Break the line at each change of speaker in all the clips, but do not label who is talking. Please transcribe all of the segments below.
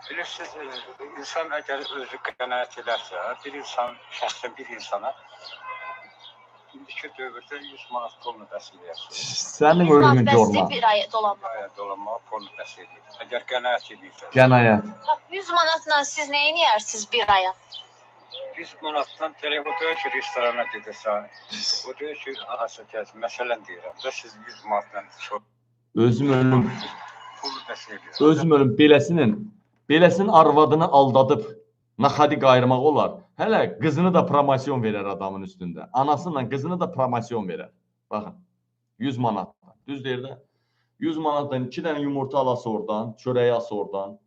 Bilirsiniz, insan əgər özü qənaət edərsə, bir insan, şəxsən bir insana indiki dövrdə 100 manat pulunu bəs eləyərsə.
Sənin ölümün görmə.
Bir ay dolanmaq.
Bir ay dolanmağa pulunu bəs eləyir. Əgər qənaət edirsə.
Qənaət.
100 manatla siz nə edirsiniz bir aya?
100 manatdan telefon deyir ki, restorana gedirsən. O deyir ki, ahasa gəz, məsələn deyirəm. Da siz 100 manatdan çox
Özüm ölüm.
pulu bəs eləyir.
Özüm ölüm beləsinin arvadını aldadıb naxadi qayırmaq olar. Hələ qızını da promosyon verər adamın üstündə. Anasıyla qızını da promosyon verər. Baxın. 100 manatdan. Düz deyir də. 100 manatdan 2 dənə yumurta alası oradan, çörəyi as oradan.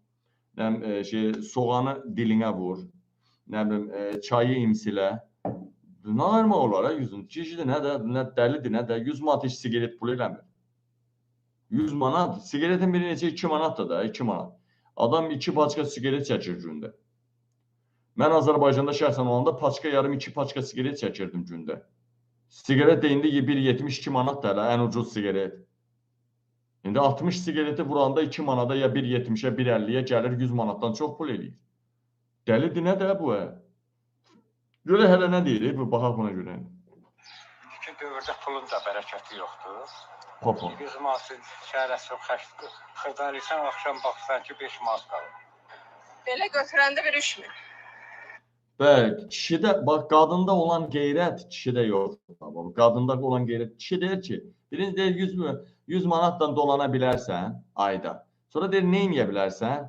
Soğanı dilinə vur. Nə bilim, çayı imsilə. Nə ayırmaq olar ha 100-ün? Kişidir, nə dəlidir, nə də 100 manat heç sigaret pulu eləmir. 100 manat, sigaretin biri neçə 2 manatdır da, 2 manat. Adam 2 paçka sigaret çəkir gündə. Mən Azərbaycanda şəxsən olanda paçka yarım 2 paçka sigaret çəkirdim gündə. Sigaret də indi 1.72 manat da ən ucuz sigaret. İndi 60 sigareti vuranda 2 manada ya 1.70-ə, 1.50-yə gəlir 100 manatdan çox pul eləyir. Dəlidir, nə də bu? Görə hələ nə deyir? Bu baxaq buna görə.
İndiki dövrdə pulun da bərəkəti yoxdur.
Papa.
100 manatın şəhərəsi xırdalayırsan, axşam baxsan ki 5 manat qalır.
Belə götürəndə bir 3000.
Bəli, kişidə, bax, qadında olan qeyrət kişidə yoxdur. Qadında olan qeyrət, kişi deyir ki, birinci deyir 100 manatdan dolana bilərsən ayda. Sonra deyir, nə eləyə bilərsən?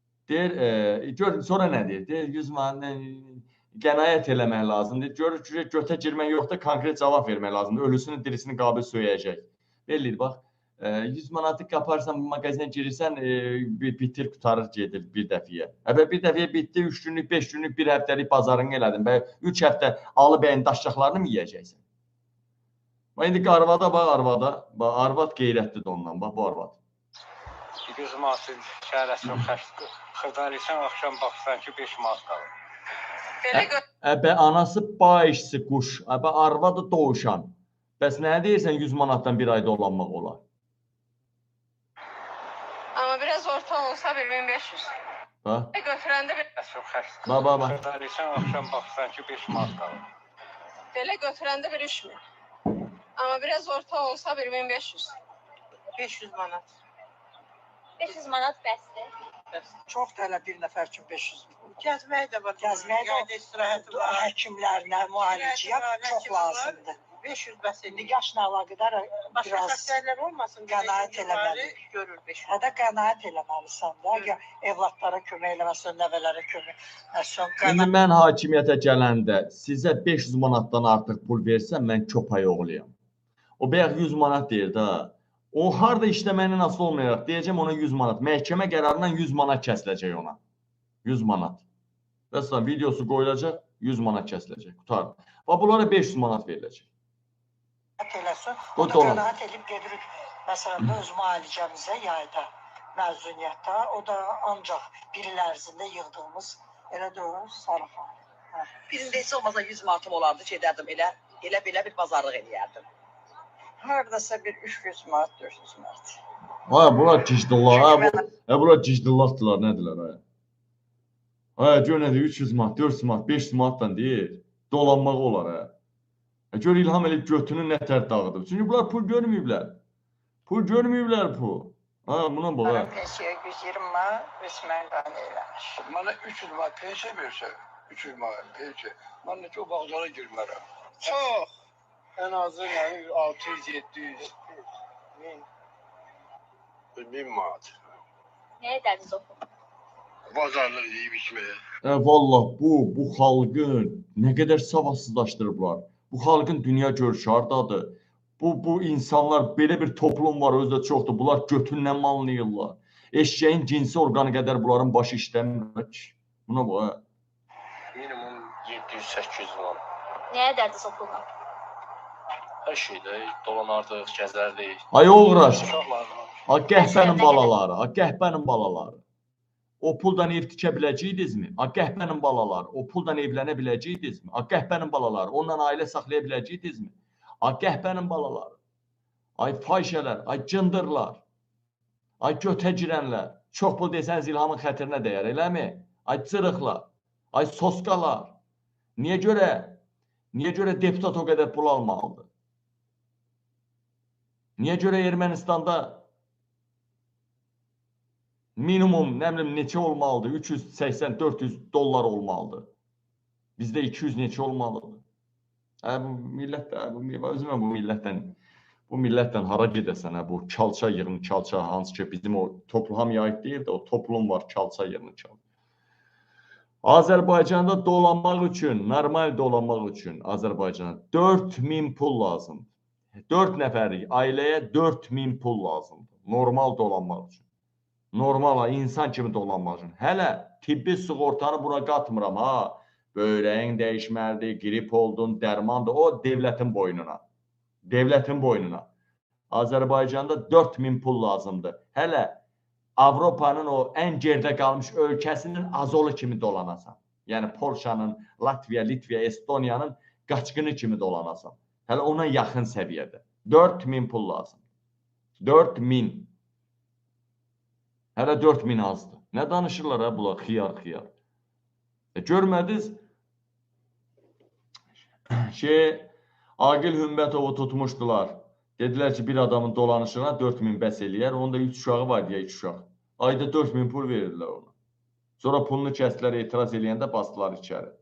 Deyir, sonra nə deyir? Deyir, 100 manat qənaət eləmək lazımdır. Görür ki, götə girmək yoxdur, konkret cavab vermək lazımdır. Ölüsünü, dirisini qabil söyləyəcək. Bellidir, bax, 100 manatı qaparsan, mağazinə girirsən, bitir, qutarır, gedir bir dəfiyə. Bir dəfiyə bitdi, 3 günlük, 5 günlük, 1 həftəlik bazarını elədin. 3 həftə alı bəyin daşacaqlarını mı yiyəcəksən? İndi arvada, bax, arvada. Arvad qeyrətlidir ondan, bax, bu arvad.
100 manatın şəhərəsi xırdalayırsan, axşam baxsan ki 5 manat qalır.
Anası bayışsı quş, arvadı doğuşan. Bəs nə deyirsən 100 manatdan bir ayda dolanmaq olar?
Amma biraz orta olsa 1500.
Bax.
Götürəndə bir...
Bax.
Xırdalayırsan, axşam baxsan ki 5 manat qalır.
Belə götürəndə bir 3000. Amma biraz orta olsa 1500. 500 manat.
500 manat bəsdir.
Çox da bir nəfər üçün 500 manat.
Gəzmək də var.
Gəzmək də
istirahəti var.
Həkimlərinə, müalicəyə çox lazımdır.
500 bəs
İndi yaşla əlaqədar
başqa
biraz
xəstəliklər olmasın.
qənaət eləməli.
Görür 500.
Hədə qənaət eləməlisən də. Evlatlara kömək eləməsən, nəvələrə kömək eləməsən.
İndi mən hakimiyyətə gələndə sizə 500 manatdan artıq pul versəm, mən köpək oğluyam. O bayaq 100 manat deyir də. O harda işləməyinə asılı olmayaraq deyəcəm ona 100 manat. Məhkəmə qərarından 100 manat kəsiləcək ona. 100 manat. Məsələn, videosu qoyulacaq, 100 manat kəsiləcək. Qutar. Və bunlara 500 manat veriləcək.
Eləsin. O da qənaət edib gedirik. Məsələn, öz müalicəmizə yayda, məzuniyyətdə. O da ancaq bir il ərzində yığdığımız elə deyil, sarıxan.
Birində heç olmasa 100 manatım olardı, gedərdim elə belə bir bazarlıq eləyərdim.
Haradasa bir 300 manat, 400 manat.
Bunlar cicdillah, bunlar cicdillahdılar, nədirlər? Gör nədir, 300 manat, 400 manat, 500 manatdan deyir, dolanmaq olar. Gör İlham elib götünü nətər dağıdıb. Çünki bunlar pul görməyiblər. Pul görməyiblər pul. Buna bax.
Pensiya 120 manat, resmən qane eləmiş.
Mənə 300 manat pensiya versə, 300 manat pensiya, mən necə o bağzara girmərəm.
Çox.
Ən azı 600, 700, 1000 manat.
Nə edərdiniz o pulu?
Bazarlıq yeyib içməyə.
Vallah bu xalqın nə qədər savadsızlaşdırıblar. Bu xalqın dünya görüşü hardadır. Bu insanlar, belə bir toplum var, özü də çoxdur. Bunlar götündən mallayırlar. Eşeğin cinsi orqanı qədər bunların başı işləmir ki. Buna bax.
Minimum 700-800 var.
Nə edərdiniz o pulla?
Hər şeydə dolanardıq, gəzərdik.
Ay uğraş.
Uşaqlarla.
Qəhbənin balaları. O puldan ev tikə biləcəydinizmi? Qəhbənin balaları. O puldan evlənə biləcəydinizmi? Qəhbənin balaları. Ondan ailə saxlaya biləcəydinizmi? Qəhbənin balaları. Ay fahişələr, ay cındırlar. Ay götə girənlər. Çox pul desəniz İlhamın xətrinə dəyər, eləmi? Ay çırıqlar, ay soskalar. Niyə görə deputat o qədər pul almalıdır? Niyə görə Ermənistanda minimum, nə bilim, neçə olmalıdır? 380-400 dollar olmalıdır. Bizdə 200 neçə olmalıdır? Bu millətdən hara gedəsən, bu kalça yığın, kalça, hansı ki bizim o toplum hamıya aid deyil də, o toplum var, kalça yığın, kalça. Azərbaycanda dolanmaq üçün, normal dolanmaq üçün Azərbaycana 4000 pul lazımdır. 4 nəfərlik ailəyə 4000 pul lazımdır. Normal dolanmaq üçün. Normal, insan kimi dolanmaq üçün. Hələ tibbi sığortanı buna qatmıram, ha. Böyrəyin dəyişməlidir, grip oldun, dərmandır. O, devlətin boynuna. Devlətin boynuna. Azərbaycanda 4000 pul lazımdır. Hələ Avropanın o ən gerdə qalmış ölkəsinin azolu kimi dolanasan. Yəni Polşanın, Latviya, Litviya, Estoniyanın qaçqını kimi dolanasan. Hələ ona yaxın səviyyədə. 4000 pul lazımdır. 4000. Hələ 4000 azdır. Nə danışırlar ha bunlar? Xiyar. Görmədiniz? Agil Hümbətovu tutmuşdular. Dedilər ki, bir adamın dolanışına 4000 bəs eləyər. Onda 3 uşağı var deyə 3 uşaq. Ayda 4000 pul verirdilər ona. Sonra pulunu kəsdilər, etiraz eləyəndə basdılar içəri.